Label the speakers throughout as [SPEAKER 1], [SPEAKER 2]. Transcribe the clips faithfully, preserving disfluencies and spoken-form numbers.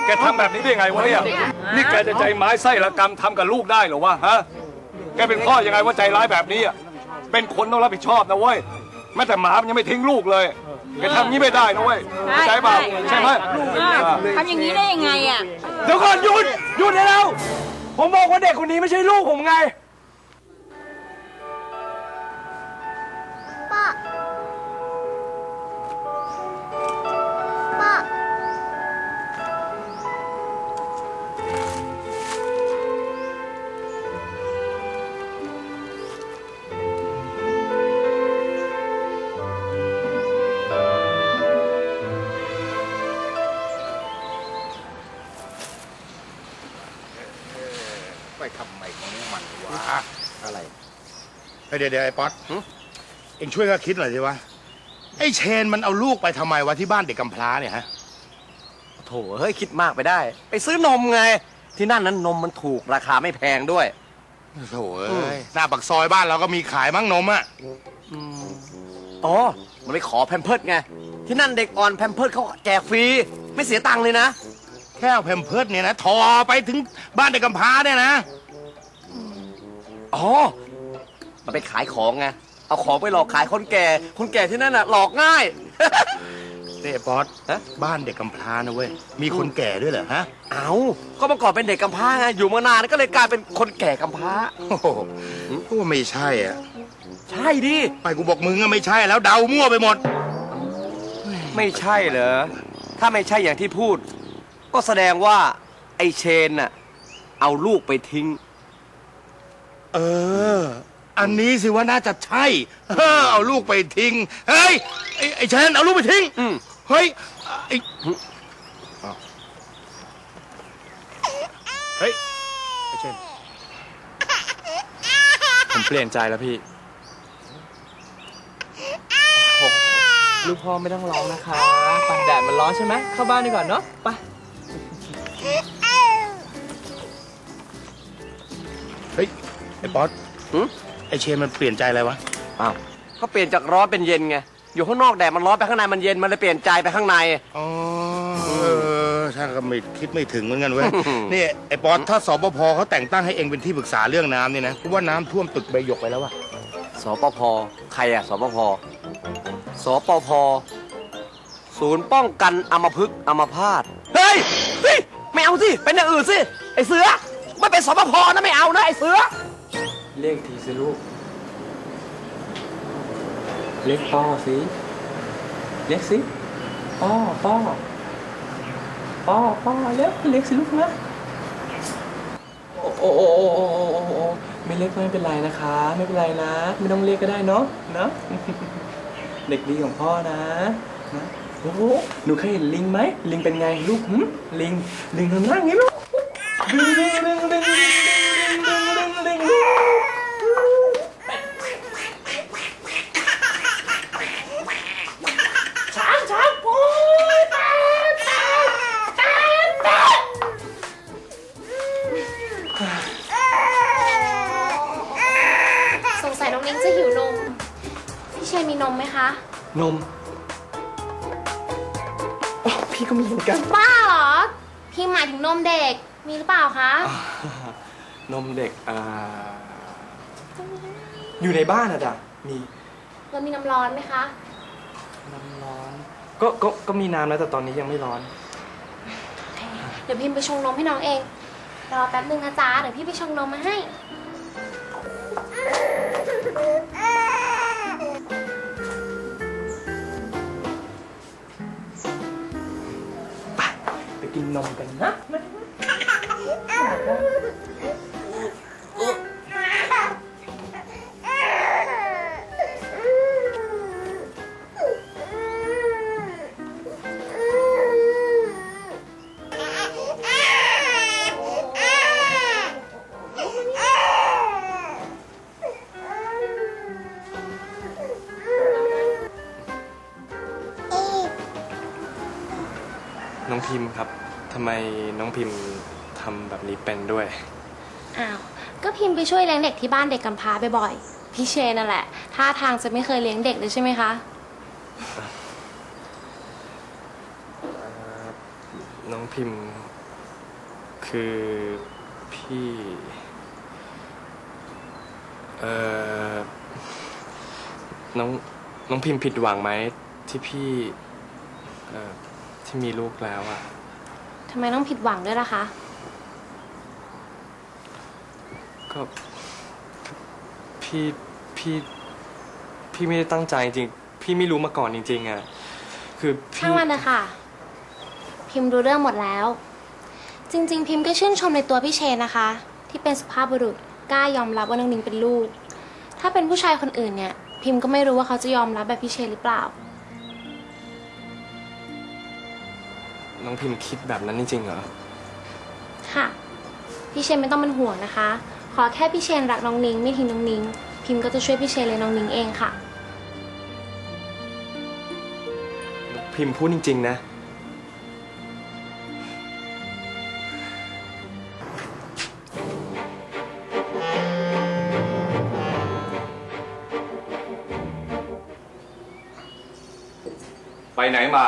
[SPEAKER 1] กทำแบบนี้ได้ไงวะเนี่ยนี่แกจะใจไม้ไส้ละกรรมทำกับลูกได้เหรอวะฮะแกเป็นพ่อยังไงว่าใจร้ายแบบนี้อ่ะเป็นคนต้องรับผิดชอบนะเว้ยแม้แต่หมามันยังไม่ทิ้งลูกเลยแกทำงี้ไม่ได้นะเว้ยใช่เปล่าใช่ไหม
[SPEAKER 2] ทำอย่างนี้ได้ยังไงอ่ะ
[SPEAKER 3] เดี๋ยวก่อนหยุดหยุดได้แล้วผมบอกว่าเด็กคนนี้ไม่ใช่ลูกผมไง
[SPEAKER 4] ป้าป้า
[SPEAKER 5] ไปทำไมของมันวะอะไรเดี๋ยวเดี๋ยวไอ้ป๊อตเอ็งช่วยก็คิดหน่อยสิวะไอ้เชนมันเอาลูกไปทำไมวะที่บ้านเด็กกำพร้าเนี่ยฮะ
[SPEAKER 6] โถเฮ้ยคิดมากไปได้ไปซื้อนมไงที่นั่นนั้นนมมันถูกราคาไม่แพงด้วย
[SPEAKER 5] โถเอ้ยหน้าปากซอยบ้านเราก็มีขายมั้งนมอ่ะ
[SPEAKER 6] อ๋อมันไปขอแพมเพิร์ดไงที่นั่นเด็กอ่อนแพมเพิร์ดเขาแจกฟรีไม่เสียตังค์เลยนะ
[SPEAKER 5] แค่แพมเพิร์ดเนี่ยนะทอไปถึงบ้านเด็กกำพร้าเนี่ยนะ
[SPEAKER 6] อ๋อมันไปขายของไงเอาของไปหลอกขายคนแก่คนแก่ที่นั่นน่ะหลอกง่าย
[SPEAKER 5] นี่ป๊อตบ้านเด็กกำพร้านะเว้ยมีคนแก่ด้วยเหรอฮะ
[SPEAKER 6] เอาก็เมื่อก่อนเป็นเด็กกำพร้าไงอยู่มานานก็เลยกลายเป็นคนแก่กำพร้า
[SPEAKER 5] โอ้โหกูว่าไม่ใช่อ่ะ
[SPEAKER 6] ใช่ดิ
[SPEAKER 5] ไม่กูบอกมึงอะไม่ใช่แล้วเดามั่วไปหมด
[SPEAKER 6] ไม่ใช่เหรอถ้าไม่ใช่อย่างที่พูดก็แสดงว่าไอ้เชนน่ะเอาลูกไปทิ้ง
[SPEAKER 5] เอออันนี้สิว่าน่าจะใช่เอาลูกไปทิ้งเฮ้ยไอ้ไอ้เชนเอาลูกไปทิ้งเฮ้ยไอ้เฮ้ยไอ้เชน
[SPEAKER 3] ผมเปลี่ยนใจแล้วพี่ลูกพ่อไม่ต้องร้องนะคะไปแดดมันร้อนใช่ไหมเข้าบ้านดีกว่าเนาะไป
[SPEAKER 5] เฮ้ยไอ้ป๊อตไอ้เชนมันเปลี่ยนใจอะไรวะ
[SPEAKER 6] อ้าวเขาเปลี่ยนจากร้อนเป็นเย็นไงอยู่ข้างนอกแดดมันร้อนไปข้างในมันเย็นมันเลยเปลี่ยนใจไปข้างใน
[SPEAKER 5] อ๋อเออช่างก็ไม่คิดไม่ถึงเหมือนกันเว้ยนี่ไอ้ป๊อตถ้าสปภเขาแต่งตั้งให้เองเป็นที่ปรึกษาเรื่องน้ำนี่นะกูว่าน้ำท่วมตึกใบหยกไปแล้ววะ
[SPEAKER 6] สปภใครอะสปภสปภศูนย์ป้องกันอัมพฤกษ์อัมพาตเฮ้ยเฮ้ยไม่เอาสิเป็นอย่างอื่นสิไอ้เสือไม่เป็นสปภนะไม่เอานะไอ้เสือ
[SPEAKER 3] เรียกทีสิลูกเรียกพ่อสิเรียกสิพ่อพ่อพ่อพ่อเรียกเรียกสิลูกนะโอ้โอ้โอ้โอ้โอ้โอ้ไม่เรียกไม่เป็นไรนะคะไม่เป็นไรนะไม่ต้องเรียกก็ได้เนาะนะเด็กดีของพ่อนะนะโอ้โหหนูเคยเห็นลิงไหมลิงเป็นไงลูกหึลิงลิงทำหน้าอย่างนี้ลูกลิงลิงลิงลิงลิงลิงลิงลิงช้างช้างโอ้ยตาตาตาตา
[SPEAKER 4] สงสัยน้องนิ้งจะหิวนมพี่เชนมีนมไหมคะ
[SPEAKER 3] นมพี่ก็มีเหมือนกัน
[SPEAKER 4] บ้าเหรอพี่หมายถึงนมเด็กมีหรือเปล่าคะ
[SPEAKER 3] นมเด็กอ่าอยู่ในบ้านอะจ้ะมี
[SPEAKER 4] เรามีน้ำร้อนไหมคะ
[SPEAKER 3] น้ำร้อนก็ก็ก็มีน้ำแล้วแต่ตอนนี้ยังไม่ร้อน
[SPEAKER 4] เดี๋ยวพิมไปชงนมให้น้องเองรอแป๊บนึงนะจ๊ะเดี๋ยวพี่ไปชงนมมาให้
[SPEAKER 3] ไปไปกินนมกันนะน้องพิมพ์ครับทำไมน้องพิมพ์ทำแบบนี้เป็นด้วย
[SPEAKER 4] อ้าวก็พิมพ์ไปช่วยเลี้ยงเด็กที่บ้านเด็กกำพร้าบ่อยๆพี่เชนนั่นแหละท่าทางจะไม่เคยเลี้ยงเด็กเลยใช่ไหมคะ
[SPEAKER 3] น้องพิมพ์
[SPEAKER 7] คือพี่เอ่อน้องน้องพิมพ์ผิดหวังไหมที่พี่เอ่อที่มีลูกแล้วอะ
[SPEAKER 4] ทำไมต้องผิดหวังด้วยล่ะคะ
[SPEAKER 7] ก็พี่พี่พี่ไม่ได้ตั้งใจจริงพี่ไม่รู้มาก่อนจริงๆอะคือพี่
[SPEAKER 4] ช่างมันเลยค่ะ พิมพ์รู้เรื่องหมดแล้ว จริง ๆ พิมพ์ก็ชื่นชมในตัวพี่เชนนะคะ ที่เป็นสุภาพบุรุษกล้ายอมรับว่าน้องนิ้งเป็นลูก ถ้าเป็นผู้ชายคนอื่นเนี่ย พิมพ์ก็ไม่รู้ว่าเขาจะยอมรับแบบพี่เชนหรือเปล่า
[SPEAKER 7] น้องพิมพ์คิดแบบนั้นจริงๆเหรอ
[SPEAKER 4] ค่ะ พี่เชนไม่ต้องเป็นห่วงนะคะ ขอแค่พี่เชนรักน้องนิ้งไม่ทิ้งน้องนิ้ง พิมพ์ก็จะช่วยพี่เชนเลยน้องนิ้งเองค่ะ
[SPEAKER 7] พิมพ์พูดจริงๆนะ
[SPEAKER 1] ไปไหนมา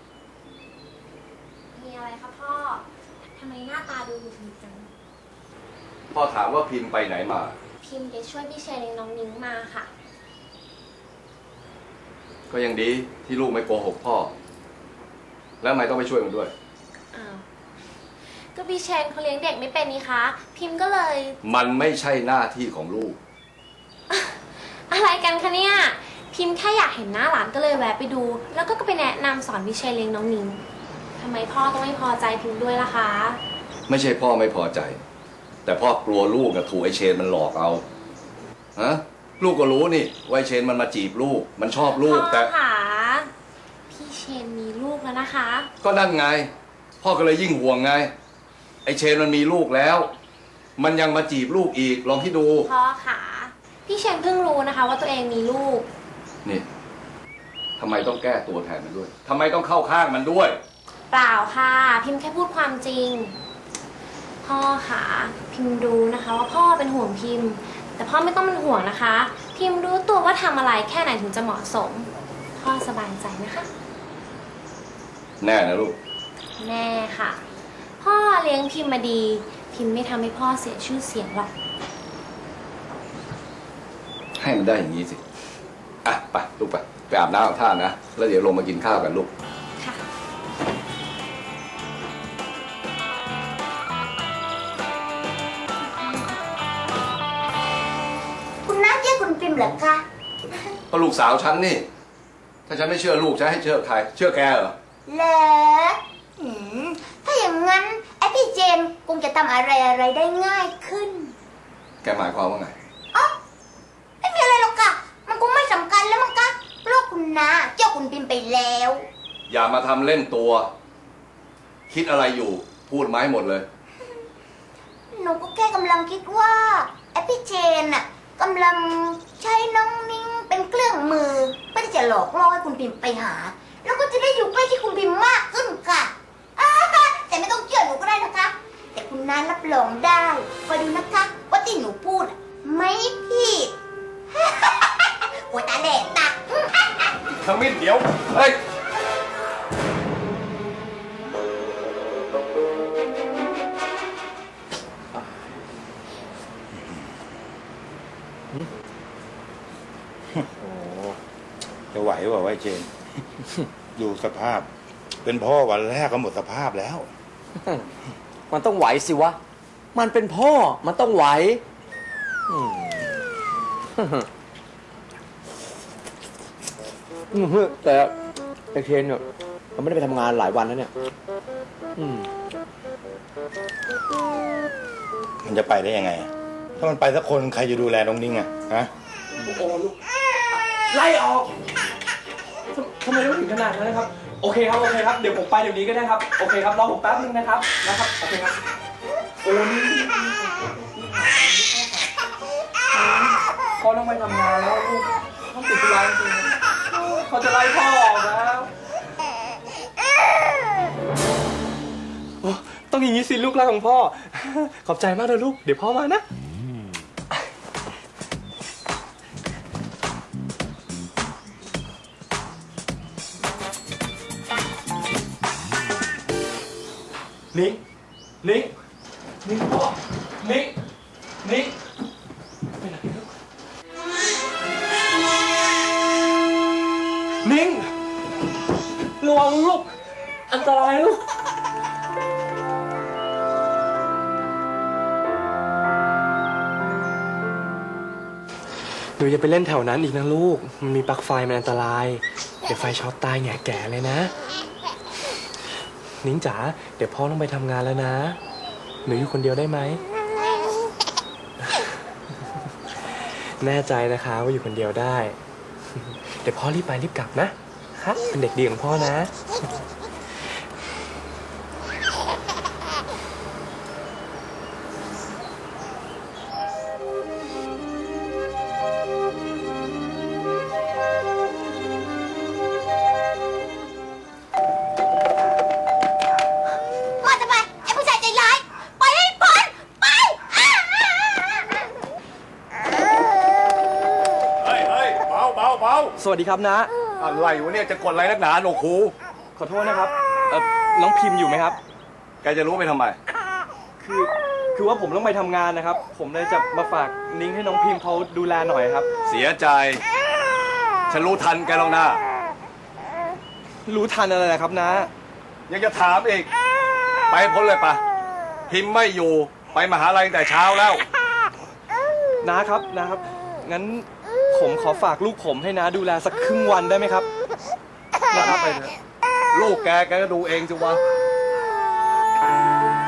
[SPEAKER 4] มีอะไรคะพ่อ ทำไมหน้าตาดูหงุดหงิดจัง
[SPEAKER 1] พ่อถามว่าพิมพ์ไปไหนมา
[SPEAKER 4] พิมพ์ไปช่วยพี่เชนเลี้ยงน้องนิ้งมาค่ะ
[SPEAKER 1] ก็ยังดีที่ลูกไม่โกหกพ่อ แล้วทำไมต้องไปช่วยมันด้วย
[SPEAKER 4] อ้าว ก็พี่เชนเขาเลี้ยงเด็กไม่เป็นนี่คะ พิมพ์ก็เลย
[SPEAKER 1] มันไม่ใช่หน้าที่ของลูก
[SPEAKER 4] อะไรกันคะเนี่ย พิมพ์แค่อยากเห็นหน้าหลานก็เลยแวะไปดู แล้วก็ไปแนะนำสอนพี่เชนเลี้ยงน้องนิ้งทำไมพ่อต้องไม่พอใจพิมพ์ด้วยล่ะคะ
[SPEAKER 1] ไม่ใช่พ่อไม่พอใจ แต่พ่อกลัวลูกกับถูกไอเชนมันหลอกเอา ฮะ ลูกก็รู้นี่ว่าไอเชนมันมาจีบลูก มันชอบลูกแต่
[SPEAKER 4] พ่อค่ะพี่เชนมีลูกแล้วนะคะ
[SPEAKER 1] ก็นั่นไง พ่อก็เลยยิ่งห่วงไง ไอเชนมันมีลูกแล้ว มันยังมาจีบลูกอีก ลองที่ดู
[SPEAKER 4] พ่อค่ะพี่เชนเพิ่งรู้นะคะ ว่าตัวเองมีลูก
[SPEAKER 1] นี่ทำไมต้องแก้ตัวแทนมันด้วยทำไมต้องเข้าข้างมันด้วย
[SPEAKER 4] เปล่าค่ะ พิมพ์แค่พูดความจริง พ่อค่ะพิมพ์รู้นะคะว่าพ่อเป็นห่วงพิมพ์ แต่พ่อไม่ต้องเป็นห่วงนะคะ พิมพ์รู้ตัวว่าทำอะไรแค่ไหนถึงจะเหมาะสม พ่อสบายใจนะคะ
[SPEAKER 1] แน่นะลูก
[SPEAKER 4] แน่ค่ะ พ่อเลี้ยงพิมพ์มาดี พิมพ์ไม่ทำให้พ่อเสียชื่อเสียงหรอก
[SPEAKER 1] ให้มันได้อย่างนี้สิ อ่ะไปลูกไปไปอาบน้ำอาบท่านะ แล้วเดี๋ยวลงมากินข้าวกันลูก
[SPEAKER 4] ค่ะ
[SPEAKER 2] คุณน้าเชื่อคุณพิมพ์เหรอคะ
[SPEAKER 1] ก็ลูกสาวฉันนี่ ถ้าฉันไม่เชื่อลูกฉันให้เชื่อใคร เชื่อแกเหรอ
[SPEAKER 2] เหรออืมถ้าอย่างนั้นไอพี่เจมส์คงจะทำอะไรอะไรได้ง่ายขึ้น
[SPEAKER 1] แกหมายความว่าไง
[SPEAKER 2] อ๋อไม่มีอะไรหรอกค่ะ มันคงไม่สำคัญแล้วมั้งคะเพราะคุณน้าเจ้าคุณพิมพ์ไปแล้ว
[SPEAKER 1] อย่ามาทำเล่นตัว คิดอะไรอยู่ พูดมาให้หมดเลย
[SPEAKER 2] หนูก็แค่กำลังคิดว่าไอพี่เจนน่ะกำลังใช้น้องนิ้งเป็นเครื่องมือเพื่อที่จะหลอกล่อให้คุณพิมพ์ไปหา แล้วก็จะได้อยู่ใกล้ที่คุณพิมพ์มากขึ้นค่ะอ่าแต่ไม่ต้องเชื่อหนูก็ได้นะคะ แต่คุณน้ารับรองได้คอยดูนะคะว่าที่หนูพูดอะไม่ผิด โอ้ยตาแดดตา
[SPEAKER 1] ขมิ้นเดี๋ยว เฮ้ย
[SPEAKER 5] จะไหวเปล่าวะไอ้เจน ดูสภาพ เป็นพ่อวันแรกก็หมดสภาพแล้ว
[SPEAKER 6] มันต้องไหวสิวะ มันเป็นพ่อ มันต้องไหวอืมอืมแต่ไอเคนเนี่ยมันไม่ได้ไปทำงานหลายวันแล้วเนี่ย อืม
[SPEAKER 5] มันจะไปได้ยังไง ถ้ามันไปสักคนใครจะดูแลน้องนิ้งอะฮะ
[SPEAKER 3] โอ้ลูกไล่ออกทำทำไมต้องถึงขนาดนั้นนะครับ โอเคครับ โอเคครับ เดี๋ยวผมไปเดี๋ยวนี้ก็ได้ครับ โอเคครับ รอผมแป๊บนึงนะครับ นะครับ โอเคครับ โอ้นี่พ่อต้องไปทำงานแล้วลูกต้องติดธุระจริงๆเขาจะไล่พ่อออกแล้วโอ้ต้องอย่างนี้สิลูกรักของพ่อ ขอบใจมากเลยลูก เดี๋ยวพ่อมานะ นิ้งนิ้ง
[SPEAKER 7] นิ้งพ่อนิ้งนิ้งไปไหนลูกนิ้งระวังลูกอันตรายลูกหนูอย่าไปเล่นแถวนั้นอีกนะลูกมันมีปลั๊กไฟมันอันตรายเดี๋ยวไฟช็อตตายแง่แก่เลยนะนิ้งจ๋าเดี๋ยวพ่อต้องไปทำงานแล้วนะหนูอยู่คนเดียวได้ไหม แน่ใจนะคะว่าอยู่คนเดียวได้ เดี๋ยวพ่อรีบไปรีบกลับนะคะเป็นเด็กดีของพ่อนะ
[SPEAKER 2] มาทำไมไอ้ผู้ชายใจร้ายไปให้พ้นไปอ้า
[SPEAKER 1] เฮ้ยเฮ้ยเบาเบาเบา
[SPEAKER 7] สวัสดีครับนะ
[SPEAKER 1] อะไรวะเนี่ยจะกดอะไรนักหนาโหนกหู
[SPEAKER 7] ขอโทษนะครับเอ่อน้องพิมพ์อยู่ไหมครับ
[SPEAKER 1] แกจะรู้ไปทำไม
[SPEAKER 7] คือคือว่าผมต้องไปทำงานนะครับ ผมเลยจะมาฝากนิ้งให้น้องพิมพ์เขาดูแลหน่อยครับ
[SPEAKER 1] เสียใจ ฉันรู้ทันแกแล้วนะ
[SPEAKER 7] รู้ทันอะไรนะครับนะ
[SPEAKER 1] ยังจะถามอีก ไปพ้นเลยปะพิมพ์ไม่อยู่ไปมหาลัยตั้งแต่เช้าแล้ว
[SPEAKER 7] นะครับนะครับ งั้นผมขอฝากลูกผมให้นะดูแลสักครึ่งวันได้ไหมครับนะครับไปเถอะ
[SPEAKER 1] ลูกแกแกก็ดูเองสิวะ